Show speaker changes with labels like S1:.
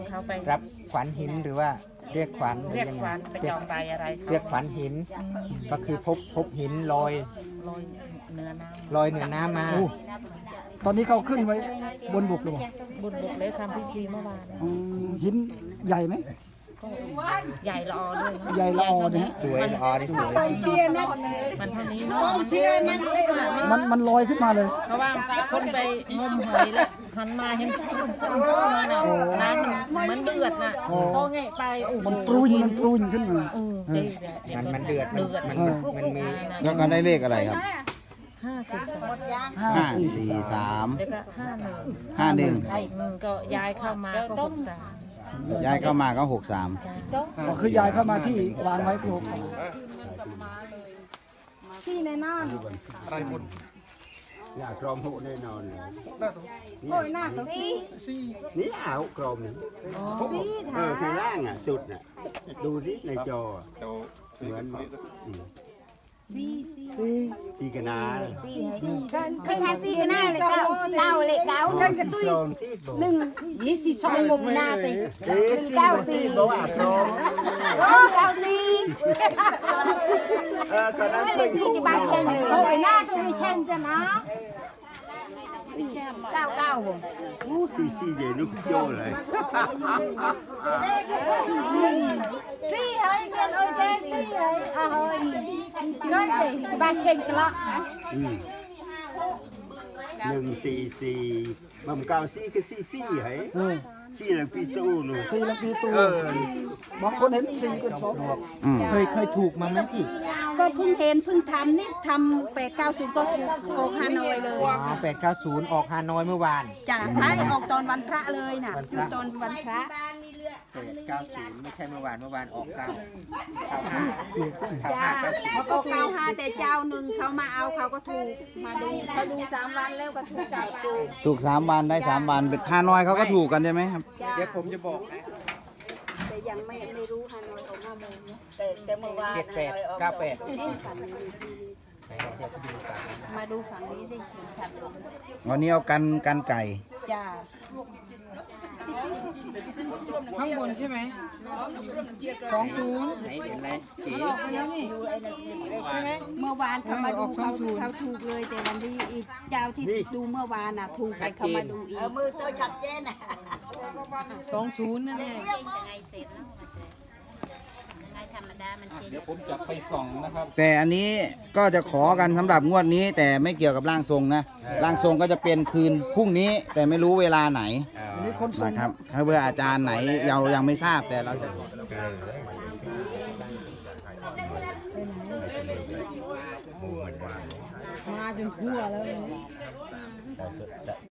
S1: เขาไป
S2: รับขวัญหินหรือว่าเรียกขวัญ
S1: เรียกขวัญไปจองใบอะไรเขา
S2: เรียกขวัญหิน ก็คือพบหินลอย
S1: ลอยเนื้อน้ำ
S2: ลอยเหนือน้ำมา
S3: โอ้ตอนนี้เขาขึ้นไว้บนบกหรือเปล่า
S1: บุญบกเลยทำพิธีเมื่อวาน
S3: หินใหญ่ไหม
S1: ก็ใหญ่ละออด้วย
S3: ใหญ่ละออนะฮะ
S2: สวยละออนี่สวย
S4: เชียร์นะ
S1: มันเท่านี้เนาะ
S4: เชียร์นะเตะ
S3: มันลอยขึ้นมาเลย
S1: เพราะว่าคนไปงมหอยแล้วหันมาเห็นพุ่งมาน่ะน้ำมันเหมือนเดือดน่ะพอไงไปโอ้โห
S3: มันปรุนขึ้นมา
S2: มันเดือดมันมี
S5: แล้วก็ได้เลขอะไรครับ
S1: 543
S5: 543
S1: แล้วก็51ก็ย้ายเข้ามาก็63
S5: ย้ายเข้ามาก็63
S3: ก็คือยายเข้ามาที่วางไว้ที่63
S4: ที่ในนอน
S6: อยากกรอมหูแน่นอน
S4: โอ้ยหน้าตัวที่
S6: นี่เอากรอมนี่ข้างล่างอ่ะสุดอ่ะดูสิในจอเหมือนสีกนา
S4: เคยทำที่กันหน้าเลยเก้าเลยเก้าเดินกระตุ้ย
S6: กรอมที่บอก
S4: หนึ่งยี่สิบสองมุมหน้าตี
S6: เก้าสีบอกว่ากรอม
S4: โอ้เก้าตี
S6: ตอนนั้น
S4: ไม่
S6: เค
S4: ได้
S6: ย
S4: ที่จะบ้านเช่นเลยโอ้ยหน้าตัวไม่เช่นจะนะเก้าผม
S6: สีเย็นนุกโจเลย
S4: สี่เฮ้ยเงินโอเคสี่เฮ้ยเฮ้ยน้อยเลยบ้านเช่นกันละ
S6: 144มั่มเก้าสีคือสีเหรอสีหลังปีตู้นู่น
S3: 4 ลำปีตูบางคนเห็น4เป็น2
S2: เคยถูกมาไหมพี่
S4: ก็เพิ่งเห็นเพิ่งทำนี่ทำ890ก็ถูกโกฮานอยเลย
S2: อ๋อ890 ออกฮานอยเมื่อวาน
S4: จ้ะท้ายออกตอนวันพระเลยน่ะอยู่ตอนวันพระ
S2: 890 ไม่ใช่เมื่อวานออก9
S4: จ้าเขาก็95แต่เจ้าหนึ่งเขามาเอาเขาก็ถูกมาดูเขาดู3 วันแล้วก็ถูกจับถูก
S5: ถูก3 วันได้3 วันเป็นฮานอยเขาก็ถูกกันใช่ไหมครับ
S4: จ้า
S2: เดี๋ยวผมจะบอกนะ
S4: แต่ยังไม่รู้ฮานอยออก5 โมงนะแต่เมื่อวาน
S2: 78
S4: มาดูฝั่งนี้ได้เห็นชัดเลย
S5: วันนี้เอากันไก่
S4: จ้า
S1: ข้างบนใช่ไหม
S2: ไหนเห็นไหมเก๋
S4: เมื่อวานเขามาดูเขาถูกเลยแต่วันนี้อีกเจ้าที่ดูเมื่อวานน่ะถูกไปเขามาดูอีกมือเตอชัดเจนน่ะ
S1: 20นั่นแหละ
S5: แต่อันนี้ก็จะขอกันสำหรับงวดนี้ แต่ไม่เกี่ยวกับร่างทรงนะร่างทรงก็จะเป็นคืนพรุ่งนี้ แต่ไม่รู้เวลาไหน
S3: อันนี้คนส่ง
S5: นะครับถ้าเบอร์อาจารย์ไหนเรายังไม่ทราบแต่เราจะ
S1: มาจนทั่วแล้ว